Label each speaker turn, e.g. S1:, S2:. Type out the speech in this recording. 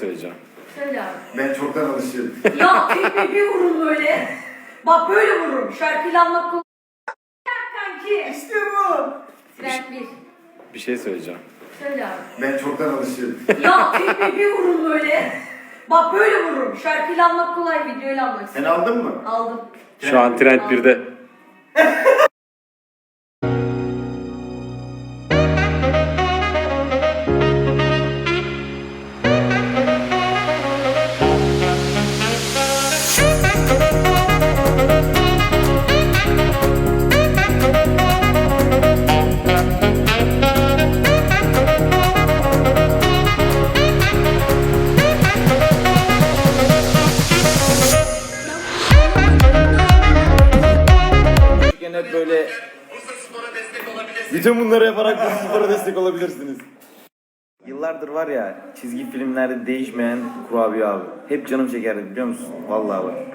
S1: söyleyeceğim.
S2: Söyle abi.
S3: Ben çoktan alışıyorum.
S2: Ya tekme bir vurun böyle. Bak böyle vururum. Şarkıyla anmak kolay. Kanki.
S3: İşte bu.
S2: Trend 1.
S1: Bir şey söyleyeceğim.
S2: Söyle abi.
S3: Ben çoktan alışıyorum.
S2: Ya tekme bir vurun böyle. Bak böyle vururum. Şarkıyla anmak kolay, videoyla anmak.
S3: Sen aldın mı?
S2: Aldım.
S1: Şu an Trend 1'de.
S3: Küçükken hep böyle... Bütün bunları yaparak Bursaspor'a destek olabilirsiniz. Yıllardır var ya çizgi filmlerde değişmeyen kurabiye abi. Hep canım çekerdi biliyor musun? Vallahi bak.